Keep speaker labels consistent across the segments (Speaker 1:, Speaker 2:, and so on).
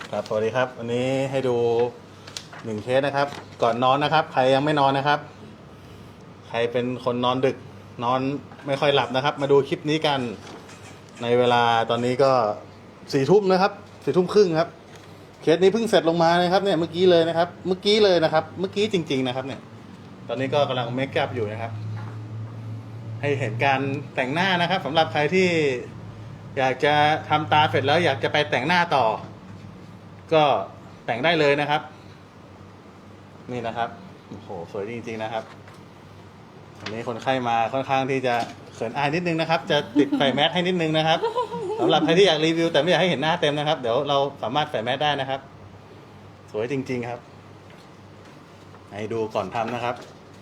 Speaker 1: ครับสวัสดีครับวันนี้ให้ดู1เคสนะครับ ก่อนนอนนะครับ ใครยังไม่นอนนะครับ ใครเป็นคนนอนดึกนอนไม่ค่อยหลับนะครับ มาดูคลิปนี้กันในเวลาตอนนี้ก็4 ทุ่มนะครับ4 ทุ่มครึ่งครับเคสนี้เพิ่งเสร็จลงมานะครับเนี่ยเมื่อกี้เลยนะครับเมื่อกี้เลยนะครับเมื่อกี้จริงๆนะครับเนี่ยตอนนี้ก็กำลังเมคอัพอยู่นะครับ ให้เห็นการแต่งหน้านะครับสำหรับใครที่อยากจะทำตาเสร็จแล้วอยากจะไปแต่งหน้าต่อก็แต่งได้เลยนะครับนี่นะครับโอ้โหสวยจริงๆนะครับวันนี้คนไข้มาค่อนข้างที่จะเขินอายนิดนึงนะครับจะติดใส่แมสให้นิดนึงนะครับสำหรับใครที่อยากรีวิวแต่ไม่อยากให้เห็นหน้าเต็มนะครับเดี๋ยวเราสามารถใส่แมสได้นะครับสวยจริงๆครับให้ดูก่อนทำนะครับ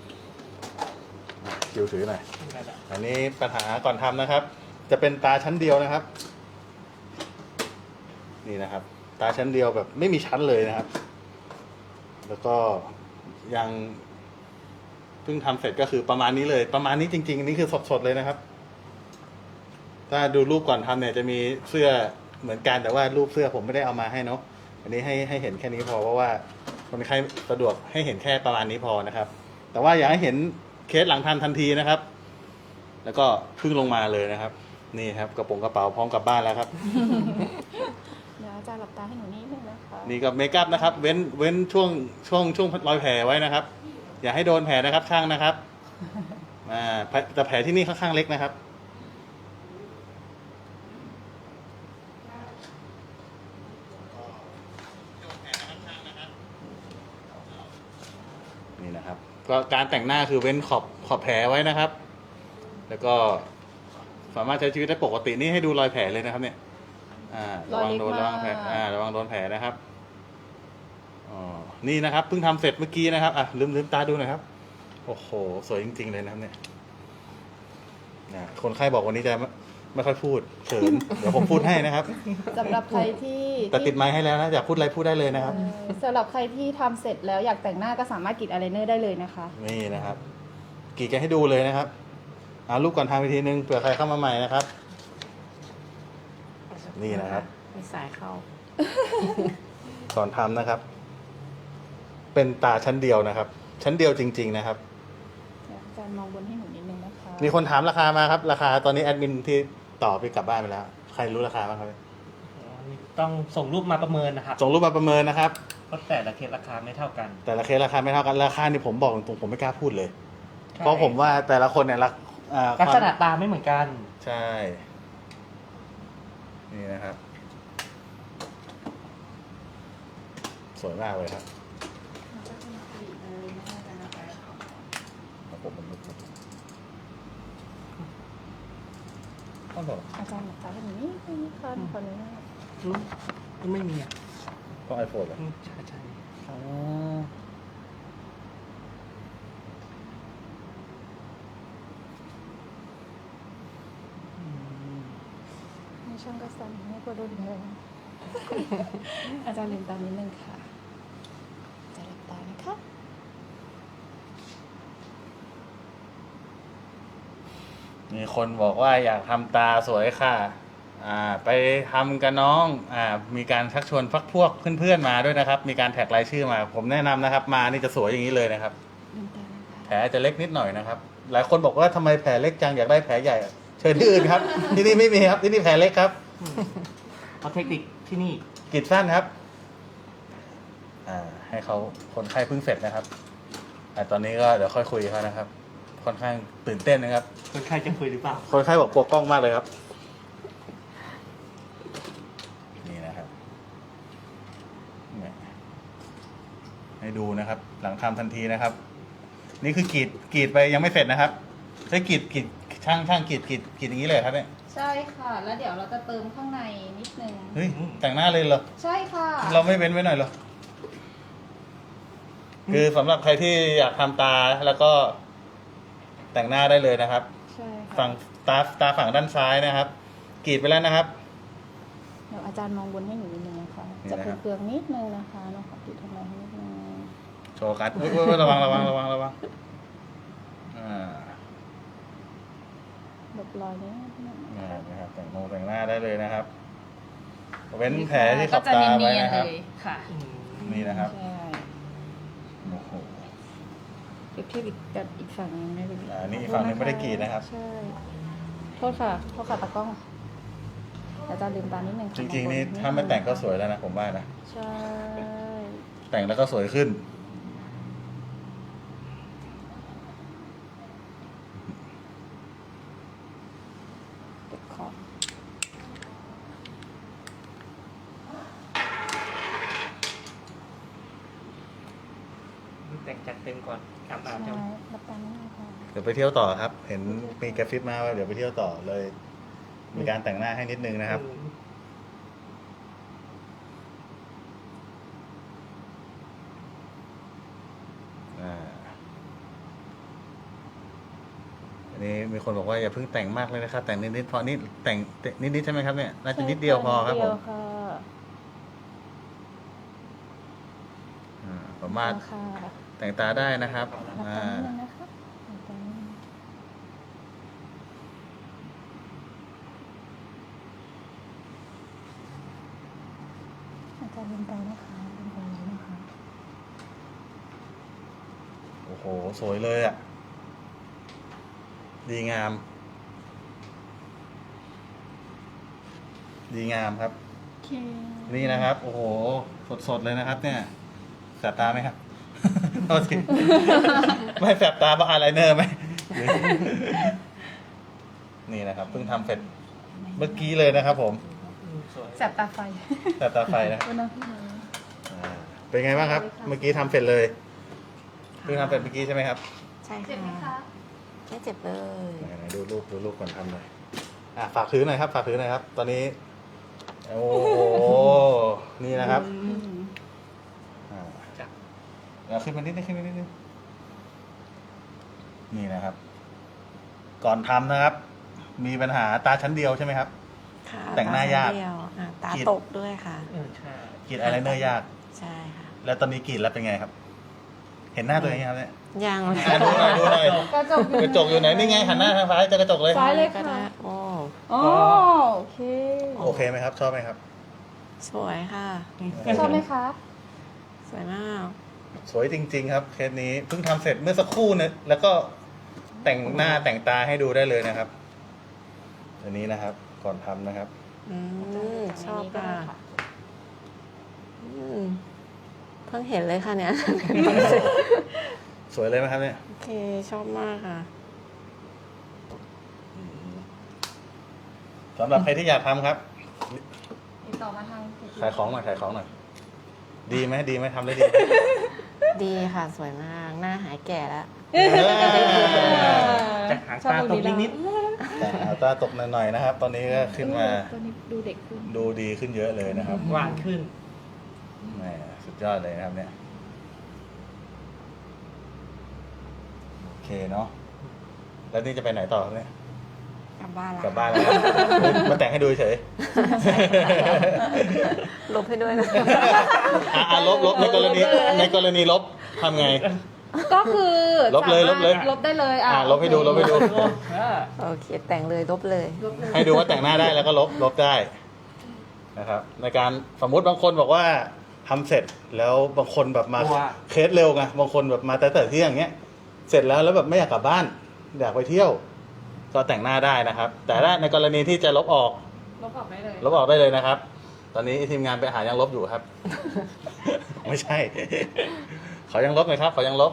Speaker 1: คิวถือหน่อยอันนี้ปัญหาก่อนทำนะครับจะเป็นตาชั้นเดียวนะครับนี่นะครับตาชั้นเดียวแบบไม่มีชั้นเลยนะครับแล้วก็ยังเพิ่งทำเสร็จก็คือประมาณนี้เลยประมาณนี้จริงๆนี่คือสดๆเลยนะครับถ้าดูรูปก่อนทำเนี่ยจะมีเสื้อเหมือนกันแต่ว่ารูปเสื้อผมไม่ได้เอามาให้เนาะอันนี้ให้เห็นแค่นี้พอเพราะว่าคนไข้สะดวกให้เห็นแค่ประมาณนี้พอนะครับแต่ว่าอยากให้เห็นเคสหลังทำทันทีนะครับแล้วก็เพิ่งลงมาเลยนะครับนี่ครับกระเป๋าพร้อมกลับบ้านแล้วครับ
Speaker 2: เดี๋ยวอาจารย์หลับตาให้หนูนิดนึงนะคะ
Speaker 1: นี่ก็เมคอัพนะครับเว้นช่วงรอยแผลไว้นะครับ อย่าให้โดนแผลนะครับช่างนะครับแต่แผลที่นี่ค่อนข้างเล็กนะครับนี่นะครับก็การแต่งหน้าคือเว้นขอบแผลไว้นะครับ แล้วก็สามารถใช้ชีวิตได้ปกตินี่ให้ดูรอยแผลเลยนะครับเนี่ยระวังโดนระวังโดนแผลนะครับอ๋อนี่นะครับเพิ่งทำเสร็จเมื่อกี้นะครับลืมตาดูหน่อยครับโอ้โหสวยจริงๆเลยนะครับเนี่ยคนไข้บอกวันนี้จะไม่ค่อยพูดเขิน เดี๋ยวผมพูดให้นะครับ
Speaker 2: สำหรับใครที่
Speaker 1: แต่ติดไมค์ให้แล้วนะอยากพูดอะไรพูดได้เลยนะครับ
Speaker 2: สำหรับใครที่ทำเสร็จแล้วอยากแต่งหน้าก็สามารถกรีดอายไลเนอร์ได้เลยนะคะ
Speaker 1: นี่นะครับกรีดกันให้ดูเลยนะครับรูปก่อนทำอีกทีนึงเผื่อใครเข้ามาใหม่นะครับ นี่นะครับ
Speaker 3: มีสายเข้า
Speaker 1: ก่อนทำนะครับ เป็นตาชั้นเดียวนะครับ ชั้นเดียวจริงๆนะครับ
Speaker 2: เดี๋ยวอาจารย์มองบนให้หนูนิดนึงนะคะ
Speaker 1: มีคนถามราคามาครับ ราคาตอนนี้แอดมินที่ต่อไปกลับบ้านไปแล้ว ใครรู้ราคาบ้างครับ
Speaker 3: ต้องส่งรูปมาประเมินนะครับ
Speaker 1: ส่งรูปมาประเมินนะครับ
Speaker 3: เพราะแต่ละเคสราคาไม่เท่ากัน
Speaker 1: แต่ละเคสราคาไม่เท่ากันราคานี่ผมบอกตรงๆผมไม่กล้าพูดเลย
Speaker 3: ใช่
Speaker 1: เพราะผมว่าแต่ละคนเนี่ย
Speaker 3: ลักษณะตาไม่เหมือนกัน
Speaker 1: ใช่ นี่นะครับ สวยมากเลยครับผมมันต้องบอก
Speaker 2: อาจารย์หลับตาให้หนูนิดนึงนะคะขออนุญาต
Speaker 3: ไม่มีอ่ะ
Speaker 1: ต้องไอโฟนเหรอ
Speaker 3: ใช่ใช่
Speaker 1: อ๋อ
Speaker 2: ให้ช่างกระสันให้กลัวโดนแทง อาจารย์ลืมตานิดนึงค่ะอาจารย์หลับตานะคะ
Speaker 1: มีคนบอกว่าอยากทำตาสวยค่ะ ไปทำกับน้อง มีการชักชวนพักพวกเพื่อนๆมาด้วยนะครับ มีการแท็กรายชื่อมา ผมแนะนำนะครับ มานี่จะสวยอย่างนี้เลยนะครับ
Speaker 2: ลืมตานะคะ
Speaker 1: แผลจะเล็กนิดหน่อยนะครับ หลายคนบอกว่าทำไมแผลเล็กจังอยากได้แผลใหญ่ เชิญที่อื่นครับ ที่นี่ไม่มีครับ ที่นี่แผลเล็กครับ
Speaker 3: เพราะเทคนิคที่นี่
Speaker 1: กรีดสั้นครับ ให้เขาคนไข้เพิ่งเสร็จนะครับตอนนี้ก็เดี๋ยวค่อยคุยเขานะครับ ค่อนข้างตื่นเต้นนะครับ
Speaker 3: คนไข้จะคุยหรือเปล่า
Speaker 1: คนไข้บอกกลัวกล้องมากเลยครับ นี่นะครับให้ดูนะครับ หลังทำทันทีนะครับ นี่คือกรีดไปยังไม่เสร็จนะครับใช้กรีดช่างกรีดอย่างนี้เลยครับเนี่ย
Speaker 2: ใช่ค่ะ แล้วเดี๋ยวเราจะเติมข้างในนิดนึง
Speaker 1: เฮ้ยแต่งหน้าเลยเหรอ
Speaker 2: ใช่ค่ะ
Speaker 1: เราไม่เว้นไว้หน่อยเหรอ คือสำหรับใครที่อยากทำตาแล้วก็แต่งหน้าได้เลยนะครับ
Speaker 2: ใช่ค่ะ
Speaker 1: ฝั่งตาฝั่งด้านซ้ายนะครับกรีดไปแล้วนะครับ
Speaker 2: เดี๋ยวอาจารย์มองบนให้หนูนิดนึงนะคะ
Speaker 1: นี่
Speaker 2: จะ
Speaker 1: นะครับ
Speaker 2: เปลืองๆนิดนึงนะคะน้องขอติดทำไมให้นิดนึง
Speaker 1: โชว์กันอุ๊ยระวัง
Speaker 2: หลบรอยนิดนึง
Speaker 1: นะครับแต่งหน้าได้เลยนะครับเว้นแผลที่ข
Speaker 2: ก็
Speaker 1: อบ
Speaker 2: จะ
Speaker 1: ตา
Speaker 2: เนี
Speaker 1: ไว้
Speaker 2: ยน
Speaker 1: นะ
Speaker 2: ๆ
Speaker 1: ค
Speaker 2: เล
Speaker 1: รับ
Speaker 2: ยค่ะ
Speaker 1: นี่นะครับ
Speaker 2: ใช่
Speaker 1: โอ้โห
Speaker 2: เปรียบเทียบกับอีกฝั่งหนึงได้เลย
Speaker 1: นี่อีกฝั่งหนึงไม่ได้กรีดนะครับ
Speaker 2: ใช่โทษค่ะตากล้องอาจารย์ลืมตานิดนึง
Speaker 1: จ
Speaker 2: ค่ะ
Speaker 1: ริงๆนี่ถ้าไม่แต่งก็สวยแล้วนะผมว่านะ
Speaker 2: ใช่
Speaker 1: แต่งแล้วก็สวยขึ้น
Speaker 2: เก็บขอบ
Speaker 3: แต่งจัดเต็มก่อนอาบ
Speaker 2: ใช่
Speaker 3: น้ำจะ
Speaker 2: รับตานิดนึงค่ะ
Speaker 1: เดี๋ยวไปเที่ยวต่อครับ เห็นมีกระซิบมาว่าเดี๋ยวไปเที่ยวต่อเลย มีการแต่งหน้าให้นิดนึงนะครับ อันนี้มีคนบอกว่าอย่าเพิ่งแต่งมากเลยนะครับ แต่งนิดๆพอนี่แต่งนิดๆใช่ไหมครับเนี่ยน่าจะนิดเดียวพอครับผม
Speaker 2: นิดเดียวค่ะ
Speaker 1: สามารถ
Speaker 2: ค่ะ
Speaker 1: แต่งตาได้นะครับ
Speaker 2: รับตานิดนึงนะคะรับตานิดนึงอาจารย์ลืมตานะคะลืมตาเลยนะคะ
Speaker 1: โอ้โหสวยเลยอ่ะ ดีงาม ดีงามครับ
Speaker 2: โอเค
Speaker 1: นี่นะครับ โอ้โห สดๆเลยนะครับ เนี่ยแสบตาไหมครับ โทษทีไม่แสบตาเพราะอายไลเนอร์ไหม นี่นะครับเพิ่งทำเสร็จเมื่อกี้เลยนะครับ ผม
Speaker 3: สวย
Speaker 2: แสบตาไฟ
Speaker 1: แสบตาไฟนะ
Speaker 2: วันนั้นพี่หนู
Speaker 1: เป็นไงบ้างครับ เมื่อกี้ทำเสร็จเลยเพิ่งทำเสร็จเมื่อกี้ใช่ไหมครับ
Speaker 4: ใช่
Speaker 2: เจ็บไหม
Speaker 4: ค่ะ
Speaker 2: คะ
Speaker 4: ไม่เจ็บเลย
Speaker 1: ไหนๆดูรูปก่อนทำหน่อยฝากถือหน่อยครับ ฝากถือหน่อยครับ ตอนนี้ โอ้โห นี่นะครับอ่า
Speaker 3: จับ
Speaker 1: เอาขึ้นมานิดนึงนี่นะครับ ก่อนทำนะครับ มีปัญหาตาชั้นเดียวใช่ไหมครับ
Speaker 4: ค่ะ
Speaker 1: แต่งหน้ายาก
Speaker 4: ตเดียวตา
Speaker 1: ขีด
Speaker 4: ตกด้วยค่ะ
Speaker 3: ใช่
Speaker 1: กรีดอายไลเนอร์ยาก
Speaker 4: ใช่ค่ะ
Speaker 1: แล้วตอนนี้กรีดแล้วเป็นไงครับ เห็นหน้าตัวเองยังครับเนี่ย
Speaker 4: ยัง
Speaker 1: ดูหน่อยดูหน่อย
Speaker 2: กระจก
Speaker 1: กระจกอยู่ไหนนี่ไงหันหน้าทางซ้ายเจอกระจกเลย
Speaker 2: ซ้ายเลย
Speaker 4: ก็
Speaker 2: ค่ะ
Speaker 4: ได้โอ้
Speaker 2: อ๋อโอเค
Speaker 1: โอเคไหมครับ ชอบไหมครับ
Speaker 4: สวยค่ะ
Speaker 2: ชอบไหมคะ
Speaker 4: สวยมาก
Speaker 1: สวยจริง ๆ ครับเคสนี้เพิ่งทำเสร็จเมื่อสักครู่เนี่ยแล้วก็แต่งหน้าแต่งตาให้ดูได้เลยนะครับอันนี้นะครับ ก่อนทำนะครับ
Speaker 4: ชอบค่ะอืมเพิ่งเห็นเลยค่ะเนี่ย
Speaker 1: สวยเลยไหมครับเนี่ย
Speaker 4: โอเค ชอบมากค่ะ
Speaker 1: สำหรับใครที่อยากทำครับ
Speaker 2: ติดต่อมาทาง
Speaker 1: ขายของหน่อยขายของหน่อยดีไหมทำได้ดีไหม
Speaker 4: ดีค่ะ สวยมาก หน้าหายแก่แล้ว
Speaker 3: จากหางตาตกนิด
Speaker 1: แต่ตาตกหน่อยๆนะครับ ตอนนี้ก็ขึ้นมา
Speaker 2: ตัวนี้ดูเด็กขึ้น
Speaker 1: ดูดีขึ้นเยอะเลยนะครับ
Speaker 3: ๆหวานขึ้น
Speaker 1: แหมสุดยอดเลยนะครับเนี่ยโอเคเนาะแล้วนี่จะไปไหนต่อครับเนี่ย
Speaker 4: กลับบ้านแล้ว
Speaker 1: กลับบ้านแล้วนะมาแต่งให้ดูเฉย
Speaker 4: ลบให้ด้วยนะ
Speaker 1: ลบในกรณีลบทำไง
Speaker 2: ก็คือ
Speaker 1: ลบเลย
Speaker 2: สามารถ
Speaker 1: ลบเลย
Speaker 2: ลบได้เลย
Speaker 1: ลบให้ดูลบให้ดู
Speaker 4: โอเค แต่งเลยลบเลย
Speaker 2: ลบเลย
Speaker 1: ให้ดูว่าแต่งหน้าได้แล้วก็ลบได้นะครับ ในการสมมุติบางคนบอกว่าทำเสร็จแล้วบางคนแบบมา
Speaker 3: ว่า
Speaker 1: เคสเร็วไงบางคนแบบมาแต่เที่ยงเงี้ย เสร็จแล้วแบบไม่อยากกลับบ้าน อยากไปเที่ยว ก็แต่งหน้าได้นะครับ แต่ถ้าในกรณีที่จะลบออก
Speaker 2: ลบออกได้เลย
Speaker 1: ลบออกได้เลยนะครับ ตอนนี้ทีมงานไปหายังลบอยู่ครับ ไม่ใช่ ขอยังลบหน่อยครับ ขอยังลบ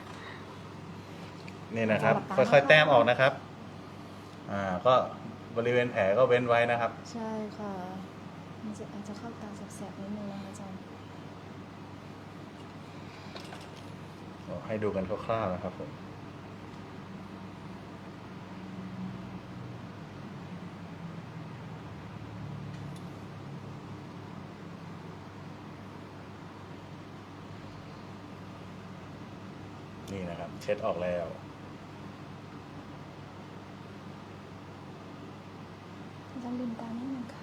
Speaker 1: นี่นะครับ ค่อยๆแต้มออกนะครับ ก็บริเวณแผลก็เว้นไว้นะครับ
Speaker 2: ใช่ค่ะมันจะอาจจะเข้าตาแสบๆนิดนึงนะคะอาจารย์
Speaker 1: ให้ดูกันคร่าวๆนะครับผม นี่นะครับ เช็ดออกแล้ว
Speaker 2: อาจารย์ลืมตานิดนึงค่ะ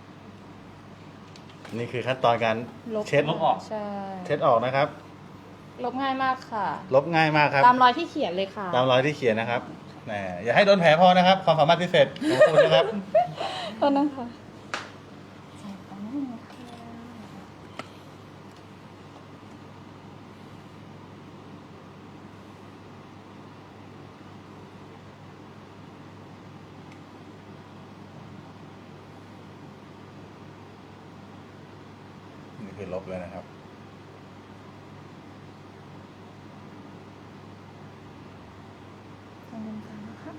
Speaker 1: นี่คือขั้นตอนการ
Speaker 2: ลบ
Speaker 1: เช็ด
Speaker 3: ลบออก
Speaker 2: ใช่
Speaker 1: เช็ดออกนะครับ
Speaker 2: ลบง่ายมากค่ะ
Speaker 1: ลบง่ายมากครับ
Speaker 2: ตามรอยที่เขียนเลยค่ะ
Speaker 1: ตามรอยที่เขียนนะครับแหมอย่าให้โดนแผลพอนะครับ ความสามารถพิเศษของคุณนะครับ
Speaker 2: ตอนนั้นค่ะใส่ตามนี้ค่ะ
Speaker 1: นี่คือลบเลยนะครับ
Speaker 2: ตรงกลางนะคะ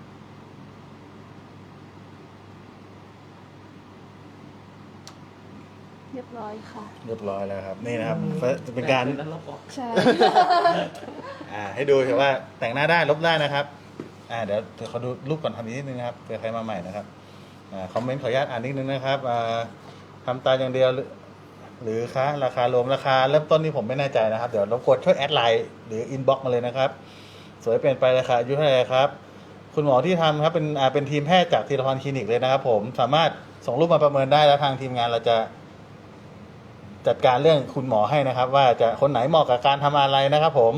Speaker 2: เรียบร้อยค่ะ
Speaker 1: เรียบร้อยแล้วครับ นี่นะครับจะเป็นการ
Speaker 3: แล้วลบออก
Speaker 2: ใช่
Speaker 1: ให้ดูเถอะว่าแต่งหน้าได้ลบได้นะครับ เดี๋ยวเขาดูรูปก่อนทำนิดนึงนะครับเผื่อใครมาใหม่นะครับคอมเมนต์ขออนุญาตอ่านนิดนึงนะครับทำตาอย่างเดียวหรือคะราคารวมราคาเริ่มต้นนี่ผมไม่แน่ใจนะครับ เดี๋ยวรบกวนช่วยแอดไลน์หรืออินบ็อกซ์มาเลยนะครับ สวยเปลี่ยนไปราคาอายุเท่าไหร่ครับ คุณหมอที่ทำครับเป็นทีมแพทย์จากธีรพรคลินิกเลยนะครับ ผมสามารถส่งรูปมาประเมินได้แล้วทางทีมงานเราจะจัดการเรื่องคุณหมอให้นะครับ ว่าจะคนไหนเหมาะกับการทำอะไรนะครับ ผม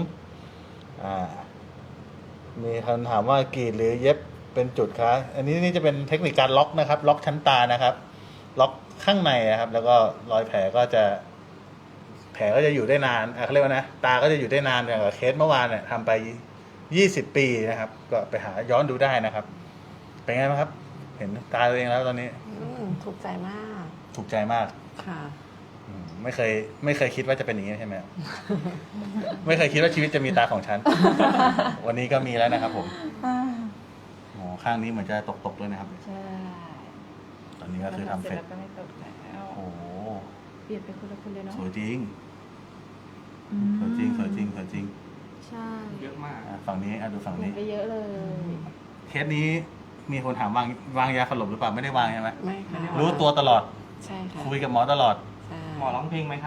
Speaker 1: มีคำถามว่ากรีดหรือเย็บเป็นจุดคะอันนี้นี่จะเป็นเทคนิคการล็อกนะครับ ล็อกชั้นตานะครับ ล็อกข้างในนะครับ แล้วก็รอยแผลก็จะอยู่ได้นานเขาเรียกว่านะตาก็จะอยู่ได้นานอย่างกับเคสเมื่อวานเนี่ยทำไป20 ปีนะครับ ก็ไปหาย้อนดูได้นะครับ เป็นไงบ้างครับ เห็นตาตัวเองแล้วตอนนี้
Speaker 4: ถูกใจมาก
Speaker 1: ถูกใจมาก
Speaker 4: ค่ะ
Speaker 1: ไม่เคยคิดว่าจะเป็นอย่างนี้ใช่ไหม ไม่เคยคิดว่าชีวิตจะมีตาของฉัน วันนี้ก็มีแล้วนะครับ ผมข้างนี้เหมือนจะตกด้วยนะครับ
Speaker 2: ใช่
Speaker 1: ตอนนี้ก็คือทำเสร็จ
Speaker 2: แล้วก็ไม่ตกแล้ว
Speaker 1: โอ้โห
Speaker 2: เปลี่ยนเป็นคนละคนเลยเนาะ
Speaker 1: สวยจริงสวยจริงสวยจริงสวยจริง
Speaker 2: ใช่
Speaker 3: เยอะมาก
Speaker 1: ฝั่งนี้ดูฝั่ง
Speaker 2: เปลี่
Speaker 1: นี้
Speaker 2: ยนไปเยอะเลย
Speaker 1: เคสนี้มีคนถามวางยาสลบหรือเปล่าไม่ได้วางใช่ไหม
Speaker 4: ไม่ค่ะ
Speaker 1: รู้ตัวตลอด
Speaker 4: ใช่ค่ะ
Speaker 1: คุยกับหมอตลอด
Speaker 4: ใช่
Speaker 3: หมอร้องเพลงไหมครับ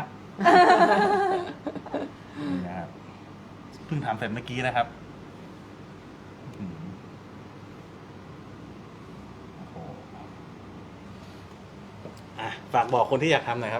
Speaker 1: นี่นะครับเพิ่งทำเสร็จเมื่อกี้นะครับโอ้โหฝากบอกคนที่อยากทำหน่อยครับ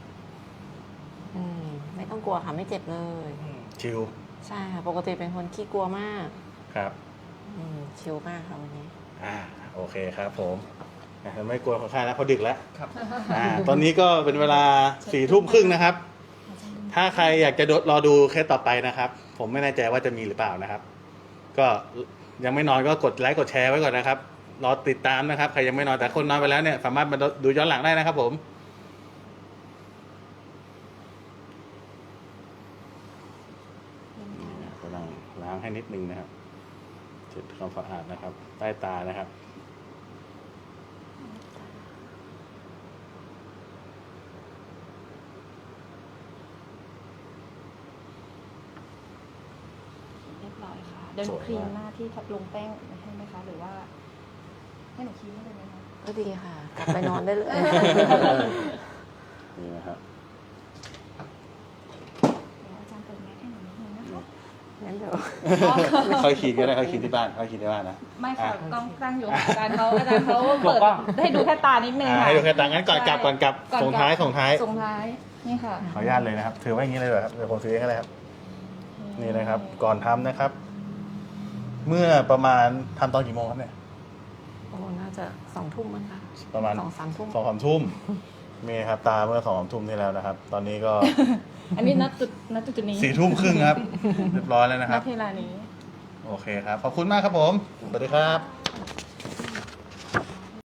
Speaker 4: ไม่ต้องกลัวค่ะ ไม่เจ็บเลย
Speaker 1: ชิล
Speaker 4: ใช่ค่ะ ปกติเป็นคนขี้กลัวมาก
Speaker 1: ครับ
Speaker 4: ชิลมากค่ะวันนี้
Speaker 1: โอเคครับผมไม่กลัวคนไข้แล้วเพราะดึกแล้ว
Speaker 3: ครับ
Speaker 1: ตอนนี้ก็เป็นเวลา4:30นะครับ ถ้าใครอยากจะรอดูเคสต่อไปนะครับ ผมไม่แน่ใจว่าจะมีหรือเปล่านะครับ ก็ยังไม่นอนก็กดไลค์กดแชร์ไว้ก่อนนะครับรอติดตามนะครับใครยังไม่นอนแต่คนนอนไปแล้วเนี่ยสามารถมาดูย้อนหลังได้นะครับ ผมกำลังล้างให้นิดนึงนะครับเช็ดความสะอาดนะครับ ใต้ตานะครับ
Speaker 2: เรียบร้อยค่ะ เดี๋ยวหนูครีมหน้าที่ลงแป้งให้ไหมคะ หรือว่าให้หนูครีมให้เลยไหมคะ
Speaker 4: ก็ดีค่ะ กลับไปนอนได้เลย
Speaker 1: นี่นะครับ
Speaker 2: เดี๋ยวอาจารย์เปิดแมสให้หนูนิดนึงนะคะ
Speaker 4: งั้นเดี๋ยว
Speaker 1: ค่อยขีดก็ได้ค่อยขีดที่บ้านค่อยขีดที่บ้านนะ
Speaker 2: ไม่ค่ะกล้องตั้งอยู่ค่ะอาจารย์เขาเปิดให้ดูแค่ตานิดนึงค่ะ
Speaker 1: ให้ดูแค่ต่างงั้นก่อนกลับ
Speaker 2: ก่อนกลับ
Speaker 1: ส่งท้าย
Speaker 2: ส่งท้าย นี่ค่ะ
Speaker 1: ขออนุญาตเลยนะครับ ถือไว้อย่างนี้เลยเหรอครับเดี๋ยวผมถือเองก็ได้ครับ นี่นะครับ ก่อนทำนะครับ เมื่อประมาณทำตอนกี่โมงครับเนี่ย
Speaker 4: โอ้น่าจะ2 ทุ่มมั้งคะ
Speaker 1: ประมาณ
Speaker 4: 2-3 ทุ่ม
Speaker 1: 2-3 ทุ่มมีครับตาเมื่อ2-3 ทุ่มที่แล้วนะครับ ตอนนี้ก็
Speaker 2: อันนี้นัดจุดนี้
Speaker 1: 4 ทุ่มครึ่งครับ เรียบร้อยแล้วนะค
Speaker 2: นั
Speaker 1: รั
Speaker 2: ด
Speaker 1: บ
Speaker 2: เวลานี้
Speaker 1: โอเคครับ ขอบคุณมากครับผมสวัสดีครับ